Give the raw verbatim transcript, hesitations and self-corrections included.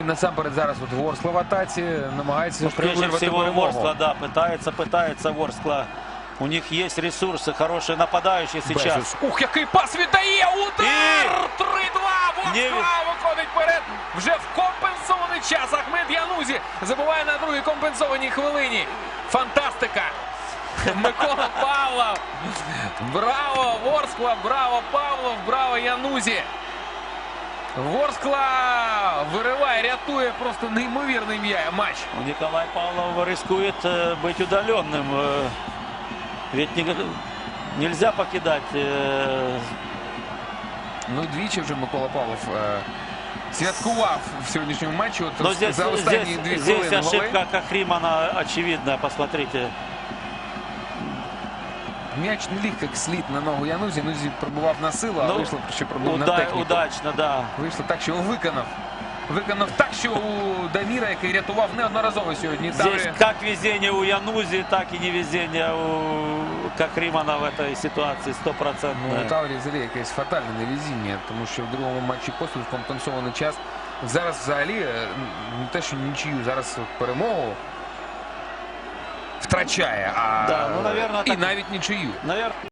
Насамперед зараз от Ворскла в атаці намагається Ну, прежде вирвати всего перемогу. Ворскла, да, пытается, пытается Ворскла. У них есть ресурсы, хорошие нападающие сейчас. Безус. Ух, який пас віддає! Удар! три-два! Ворскла виходить вперед вже в компенсований час. Ахмед Янузі забиває на другій компенсованій хвилині. Фантастика! Микола Павлов! Браво, Ворскла! Браво, Павлов! Браво, Янузі! Ворскла вириває, рятує просто неймовірний м'я- матч. Николай Павлов рискует э, быть удаленным. э, Ведь не- нельзя покидать. э, Ну, двічі вже Микола Павлов е, святкував в сьогоднішньому матчі. От Но здесь, за останні здесь, дві здесь хвилини голи. ошибка Кахримана очевидная, посмотрите. М'яч не ліг як слід на ногу Янузі. Янузі пробував на силу, а Ну, вийшло, що пробув на Уда- техніку. удачно, да. Вийшло так, що виконав. Виконав так, що у Даміра, який рятував неодноразово сьогодні. Здесь Таврі- как везение у Янузи, так и невезение у Кахримана в этой ситуации Ну, у стопроцентное. Таврі взагалі якесь фатальне невезіння, тому що в другому матчі поспіль в компенсований час. Зараз взагалі е, не те, що нічию, зараз от перемогу втрачає, а Да, ну, наверно, і так- навіть нічию. Наверное.